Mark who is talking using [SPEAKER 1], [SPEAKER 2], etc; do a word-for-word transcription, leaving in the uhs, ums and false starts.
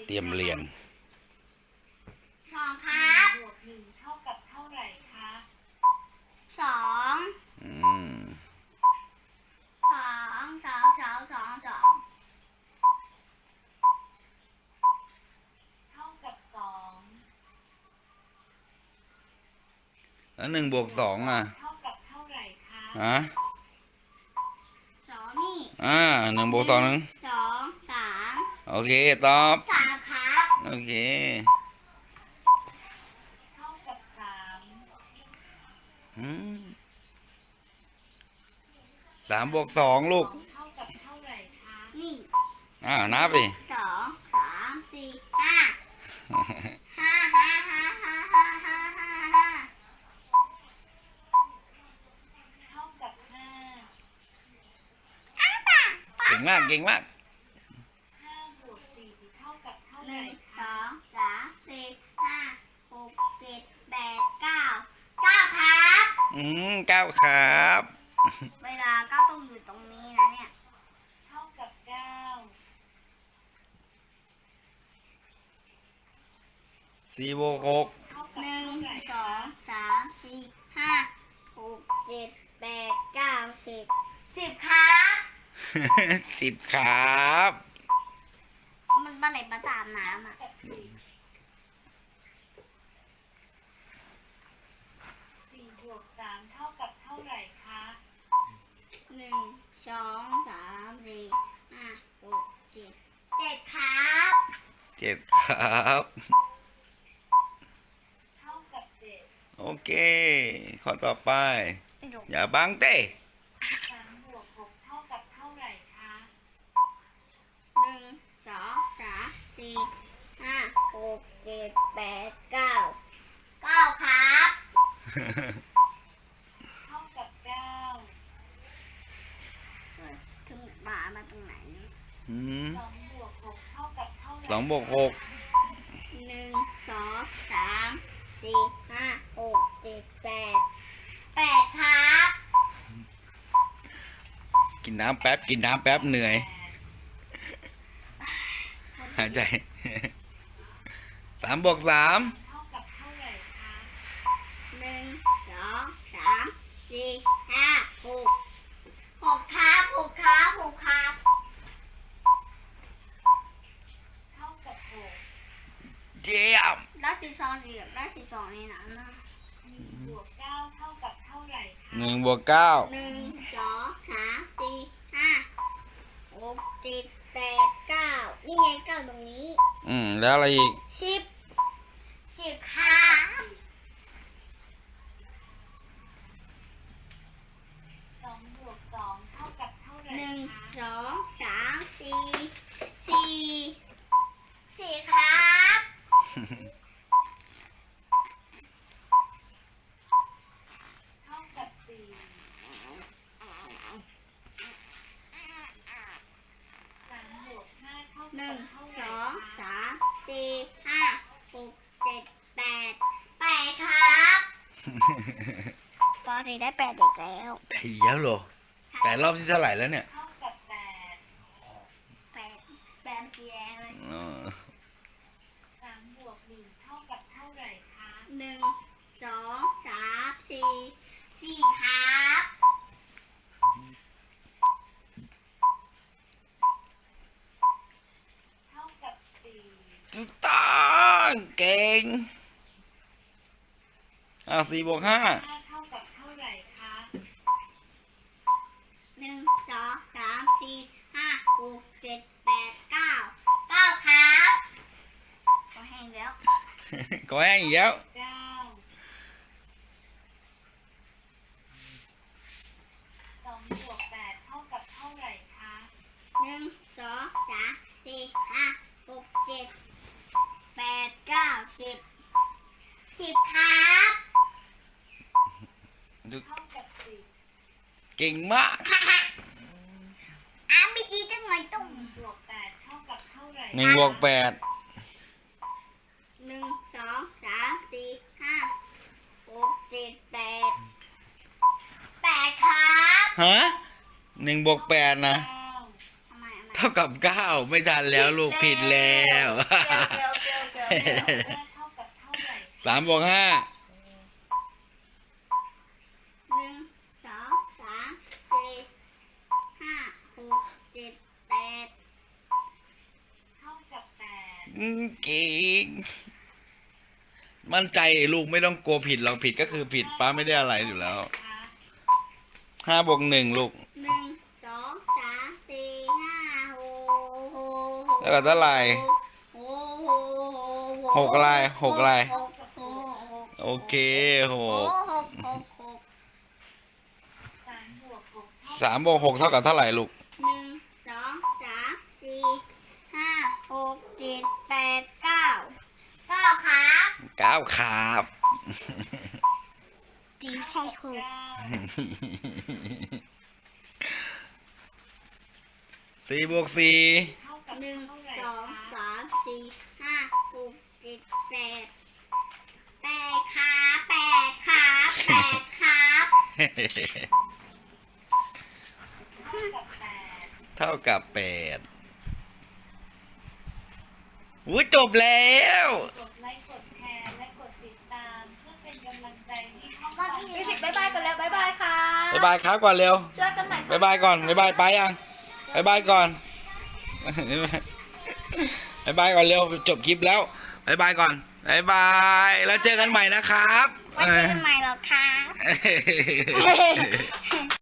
[SPEAKER 1] เตรียมเรียน
[SPEAKER 2] สองครับ
[SPEAKER 3] บวกหนึ่งเท่ากับเท่าไหร่คะ
[SPEAKER 2] สอง
[SPEAKER 1] อืม
[SPEAKER 2] สองสองสองสองสอง
[SPEAKER 3] เท่ากับสอง
[SPEAKER 1] แล้วหนึ่งบวกสองอ่ะ
[SPEAKER 3] เท่ากับเท่าไหร่คะ
[SPEAKER 1] ฮะ
[SPEAKER 2] สองนี่
[SPEAKER 1] อ่าหนึ่งบวกสองหนึ่ง
[SPEAKER 2] สองสาม
[SPEAKER 1] โอเคตอบ
[SPEAKER 2] สามครับ
[SPEAKER 1] โอเค
[SPEAKER 3] เท่ากับสาม
[SPEAKER 1] อืมสามบวกสองลูก
[SPEAKER 3] เท่ากับเท่าไหร่คะ
[SPEAKER 2] นี่
[SPEAKER 1] อ่านับไป
[SPEAKER 2] สองสามสี่ห้าห้าห้าห้าห้าห้าห้าห้าห้า
[SPEAKER 3] เท่ากับห้า
[SPEAKER 1] เก่งมากเก่งมาก
[SPEAKER 3] ห้าบวกสี่เท่ากับเท่าไห
[SPEAKER 2] หนึ่
[SPEAKER 3] ร่
[SPEAKER 2] งส
[SPEAKER 3] คะ
[SPEAKER 2] องสามสี่ห้าหกเจ็ดแปดเก้าเก้าครับ
[SPEAKER 1] อืมเก้าครับ
[SPEAKER 2] เวลาเก้าต้องอยู่ตรงนี้นะเนี่ย
[SPEAKER 3] เท่ากับเก้า
[SPEAKER 1] สี่บวกหก
[SPEAKER 3] เท่ากับ
[SPEAKER 2] หนึ่ง
[SPEAKER 3] เท่าไหร่
[SPEAKER 2] สองสามสี่ห้าหกเจ็ดแปดเก้าสิบสิบครับ
[SPEAKER 1] สิบครับ
[SPEAKER 2] มันปลาไหลปลาตามน้ำอ่ะ
[SPEAKER 3] กับสี่สี่บวกสามเท่ากับเท่าไหร่คะ
[SPEAKER 2] หนึ่งสองสามสี่ห้าหกเจ็ดเจ็ดครับ
[SPEAKER 1] เจ็ดครับ
[SPEAKER 3] เท่ากับเจ็ด
[SPEAKER 1] โอเคข้อต่อไปอย่าบังเต้
[SPEAKER 3] สามบวกหกเท่ากับเท่าไหร่คะ
[SPEAKER 2] หนึ่งสองสามสี่ห้าหกเจ็ดแปดเก้าเก้าครับ
[SPEAKER 3] เท่ากับเก้า
[SPEAKER 2] ถึงหมามาตรงไหน
[SPEAKER 1] อืม
[SPEAKER 3] สองบวกหกเท่ากับเท่าไหร่
[SPEAKER 1] สองบวกหก
[SPEAKER 2] หนึ่งสองสามสี่ห้าหกเจ็ดแปดแปดครับ
[SPEAKER 1] กินน้ำแป๊บกินน้ำแป๊บเหนื่อย
[SPEAKER 3] แปด
[SPEAKER 1] หายใจสามบวกสาม
[SPEAKER 3] เท่ากับเท่าไหร่คะ
[SPEAKER 2] หนึ่งสองสามสี่ห้าหกหกครับหกครับหกครับ
[SPEAKER 3] เท่ากับหก
[SPEAKER 1] เยี่ยม
[SPEAKER 2] ได้สิบสองสี่ได้สิบสองในนั้นนะ
[SPEAKER 3] หนึ่งบวกเก้าเท่ากับเท่าไหร่คะ
[SPEAKER 1] หนึ่งบวกเก้า
[SPEAKER 2] หนึ่งสองสามสี่ห้าหกเจ็ดแปดเก้านี่ไงเก้าตรงนี้
[SPEAKER 1] อืมแล้วอะไรอีก
[SPEAKER 2] สิบสิบครับ
[SPEAKER 3] สองบวกสองเท่ากับเท่าไหร่
[SPEAKER 2] หนึ่ง
[SPEAKER 3] คะ
[SPEAKER 2] สองสามสี่สี่สี่ครับ
[SPEAKER 3] เท่ากับสี่สามบวกห้าเท่า
[SPEAKER 2] หนึ่
[SPEAKER 3] กั
[SPEAKER 2] ง
[SPEAKER 3] บเท่าไห
[SPEAKER 2] ส
[SPEAKER 3] ร่
[SPEAKER 2] อง
[SPEAKER 3] คะ
[SPEAKER 2] สามสี่ห้าหกเจ็ดแปดแปดครับปอสี่ได้แปดเด็กแล้ว
[SPEAKER 1] ไอ้เหี้ยอะเหรอแปดรอบที่เท่าไหร่แล้วเนี่ย
[SPEAKER 3] เท่ากับแปด
[SPEAKER 2] แปดแปดสีแดงเลย
[SPEAKER 1] อ๋อ
[SPEAKER 3] สามบวกหนึ่งเท่ากับเท่าไหร่คะ
[SPEAKER 2] หนึ่งสองสามสี่สี่ครับ
[SPEAKER 3] เท่ากับสี่
[SPEAKER 1] ถูกต้องเก่งอ่ะสี่บวกห้า
[SPEAKER 3] ห้าเท่ากับเท่าไหร่คะ
[SPEAKER 2] หนึ่งสองสามสี่ห้าหกเจ็ดแปดเก้าเก้าครับก็แห้งแล้ว
[SPEAKER 1] ก็แห้งอีกแล้ว
[SPEAKER 3] เก้าสองบวกแปดเท่ากับเท่าไหร่คะ
[SPEAKER 2] หนึ่งสองสามสี่ห้าหกเจ็ดแปดเก้าสิบสิบครับ
[SPEAKER 3] เท่ากับสิบ
[SPEAKER 1] เก่งมาก
[SPEAKER 2] อ้าไม่ดีจังเลยตุ้ม
[SPEAKER 3] บวกแปดเท่ากับเท่าไหร่
[SPEAKER 1] หนึ่งบวกแปด
[SPEAKER 2] หนึ่งสองสามสี่ห้าหกเจ็ดแปดแปดครับ
[SPEAKER 1] ฮะหนึ่งบวกแปดนะ
[SPEAKER 3] เก้า
[SPEAKER 2] ทำไมทำไม
[SPEAKER 1] เท่ากับเก้าไม่ทันแล้วลูกผิดแล้ว
[SPEAKER 2] เดี๋ยว
[SPEAKER 3] ห้าเท่ากับเท่าไหร่
[SPEAKER 1] สามบวกห้า
[SPEAKER 2] หนึ่งสองสามสี่ห้าหกเจ็ดแปด
[SPEAKER 3] เท่ากับแปด
[SPEAKER 1] อืมเก่งมั่นใจลูกไม่ต้องกลัวผิดหรอกผิดก็คือผิดป้าไม่ได้อะไรอยู่แล้ว
[SPEAKER 3] คะ
[SPEAKER 1] ห้าบวกหนึ่งลูก
[SPEAKER 2] หนึ่งสองสามสี่ห้าหกหก
[SPEAKER 1] แล้วก็เท่าไหร่
[SPEAKER 2] หก
[SPEAKER 1] หกอะไรหกอะไร
[SPEAKER 2] หกหก
[SPEAKER 1] โอเคห
[SPEAKER 2] ห
[SPEAKER 1] ก
[SPEAKER 2] กหกหกหก
[SPEAKER 3] สามบวกหกเท่า
[SPEAKER 1] สามบวกหกเท่ากับเท่าไหร่ลูก
[SPEAKER 2] หนึ่งสองสามสี่ห้าหกเจ็ดแปดเก้าเก้าครับ
[SPEAKER 1] เก้าครับ
[SPEAKER 2] ตีใช่หก
[SPEAKER 3] เก้า
[SPEAKER 1] สี่บวกสี่
[SPEAKER 3] เท่ากับ
[SPEAKER 2] หนึ่ง
[SPEAKER 3] เท่าไหร่
[SPEAKER 2] สอง
[SPEAKER 3] คะ
[SPEAKER 2] สามสี่ห้าหกเจ็ดแปดแปดครับแปดครับแปดครับ
[SPEAKER 3] เท่ากับแปด
[SPEAKER 1] เท่ากับแปดอุ้ยจบแล้ว
[SPEAKER 3] กดไลค์กดแชร์และกดติดตามเพื่อเป็นกำลังใจให้ช่องเรา
[SPEAKER 2] มิวสิกบายบายกันแล้วบายบายค่ะ
[SPEAKER 1] บ๊ายบายครับก่อนเร็ว
[SPEAKER 2] เจอกันใหม่
[SPEAKER 1] บ๊ายบายก่อนบ๊ายบายไปยังบ๊ายบายก่อน บ๊ายบายก่อนเร็วจบคลิปแล้วบ๊ายบายก่อนบ๊ายบายแล้วเจอกันใหม่นะครับ
[SPEAKER 2] ไว้เจอกันใหม่หรอครับ